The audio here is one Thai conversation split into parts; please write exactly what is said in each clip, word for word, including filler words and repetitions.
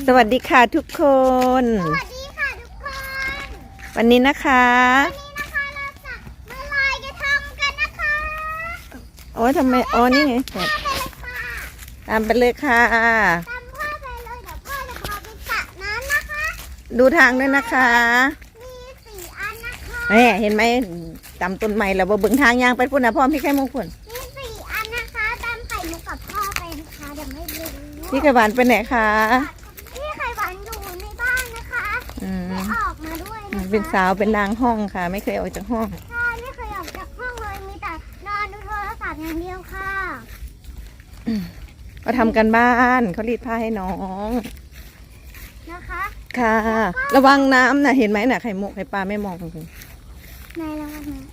สวัสดีค่ะทุกคนสวัสดีค่ะทุกคนวันนี้นะคะวันนี้นะคะเราจะมาลอยกระทงกันนะคะโอ้ยทำไมอ๋อนี่ไงตามไปเลยค่ะตามพ่อไปเลยเดี๋ยวพ่อจะพาไปสระน้ำนะคะดูทางด้วยนะคะมีสี่อันนะคะแม่เห็นไหมตามต้นไม้แล้วว่าเบิ่งทางยางไปพุ่นนะพ่อพี่ไข่มุกพุ่นมีสี่อันนะคะตามไข่มุกกับพ่อไปนะคะเดี๋ยวไม่รู้พี่ไข่หวานไปไหนคะพี่ไข่หวานอยู่ในบ้านนะคะไม่ออกมาด้วยนะคะเป็นสาวเป็นนางห้องค่ะไม่เคยออกจากห้องใช่ไม่เคยออกจากห้องเลยมีแต่นอนดูโทรศัพท์อย่างเดียวค่ะก็ทำกันบ้านเขารีดผ้าให้น้องนะคะค่ะระวังน้ำนะเห็นไหมน่ะไข่มุกไข่ปลาไม่มองคุณในระวังนะ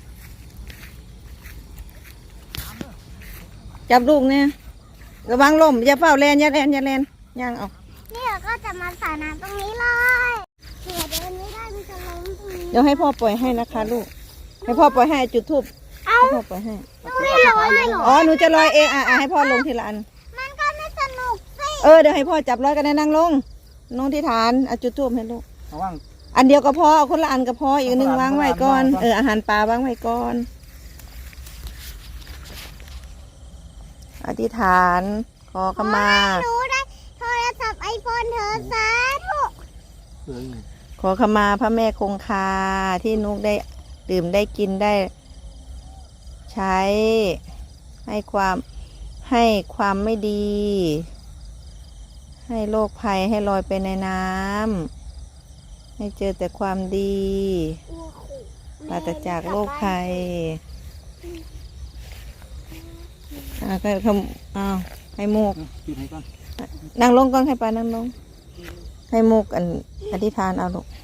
จับลูกเนี่ยระวังลมอย่าเฝ้าแลนอย่าแลนอย่าแลนย่างเอานี่เราก็จะมาสระน้ำตรงนี้เลยเผื่อเดินไม่ได้มันจะล้มตรงนี้เดี๋ยวให้พ่อปล่อยให้นะคะลูกให้พ่อปล่อยให้จุดทูบให้พ่อปล่อยให้ไม่ลอยเลยหรออ๋อหนูจะลอยเองอ่ะให้พ่อลงทีละอันมันก็ไม่สนุกสิเออเดี๋ยวให้พ่อจับลอยกันนั่งลงลงที่ฐานอ่ะจุดทูบให้ลูกอันเดียวก็พอเอาคนละอันก็พออีกหนึ่งวางไว้ก่อนเอออาหารปลาวางไว้ก่อนอธิษฐานขอขมาหนูได้โทรศัพท์ไอโฟนเธอสาธุขอขมาพระแม่คงคาที่นุกได้ดื่มได้กินได้ใช้ให้ความให้ความไม่ดี ให้โรคภัยให้ลอยไปในน้ำให้เจอแต่ความดีปราศจากโรคภัยอ่าก็ทำอ้าวให้มุกนั่งลงก่อนให้ปลานั่งลงให้มุกอันอธิษฐานเอาลูก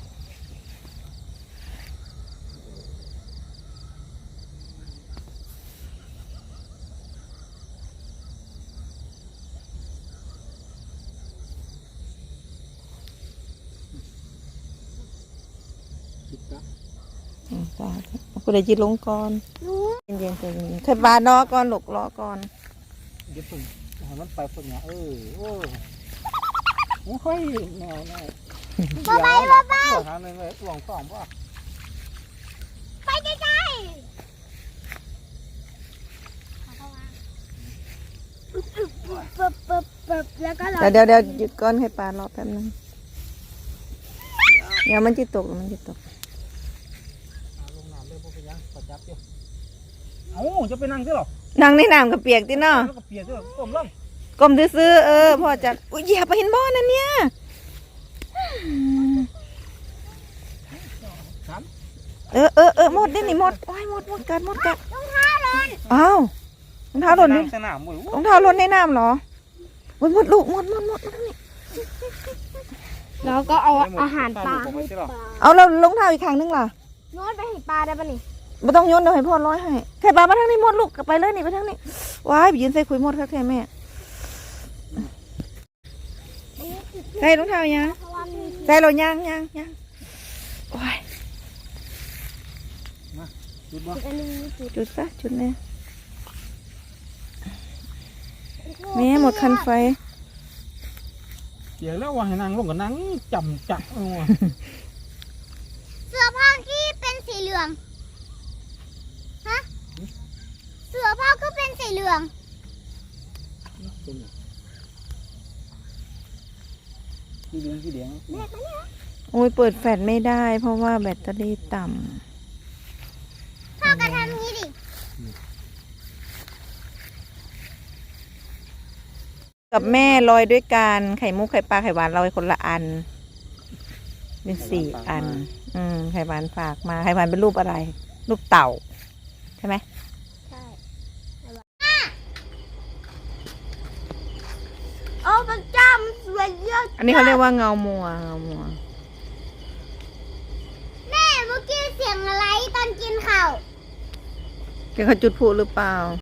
คุณได้จิตลงก่อนเย็นๆใจเย็นๆใครบาดรอก่อนหลกรอก่อนเดี๋ยวผมมันไปคนเนี้ยเออโอ้โอ้ยแนวแนวบ้าไปบ้าไปทางนึงเลยหลงสองป่ะไปใกล้ๆปึ๊บปึ๊บปึ๊บแล้วก็เดี๋ยวเดี๋ยวหยุดก่อนให้ปลารอแป๊บนึงเดี๋ยวมันจะตกมันจะตกเอ้าจะไปนั่งใช่หรอนั่งในน้ำกับเปียกติเนาะก็เปียกด้วยก้มลงก้มซื้อเออพ่อจะอุ้ยเหยียบไปเห็นบ่อนั่นเนี่ยเออเออเออหมดได้หนิหมดโอ้ยหมดหมดกัดหมดกัดรองเท้าหล่นอ้าวรองเท้าหล่นนี่รองเท้าหล่นในน้ำเหรอหมดหมดลูกหมดหมดหมดนี่แล้วก็เอาอาหารปลาเอาแล้วรองเท้าอีกครั้งนึงล่ะโยนไปให้ปลาได้ปะนี่ไม่ต้องโยนเดี๋ยวให้พ่อร้อยให้แค่ปลามาทางนี้หมดลูกไปเลยนี่ไปทางนี้ว้ายไปยืนใส่คุยหมดค่ะแค่แม่ใส่รองเท้ายังใส่เรายังยังยังโอ้ยจุดซะจุดเนี่ยแม่หมดคันไฟเดี๋ยวแล้วว่าให้นางลงกับนางจำจักเอาเสื้อผ้าที่เป็นสีเหลืองฮะเสื้อผ้าก็เป็นสีเหลืองสีเหลืองสีเหลืองโอ้ยเปิดแฟลชไม่ได้เพราะว่าแบตเตอรี่ต่ำพ่อก็ทำนี้ดิกับแม่ลอยด้วยกันไข่มุกไข่ปลาไข่หวานลอยคนละอันเป็นสี่อันอืมไข่หวานฝากมาไข่หวานเป็นรูปอะไรรูปเต่าใช่ไหมใช่โอ้พระเจ้ามันสวยเยอะอันนี้เขาเรียกว่าเงามัวเงามัวแม่เมื่อกี้เสียงอะไรตอนกินข้าวแกเขาจุดพลุหรือเปล่า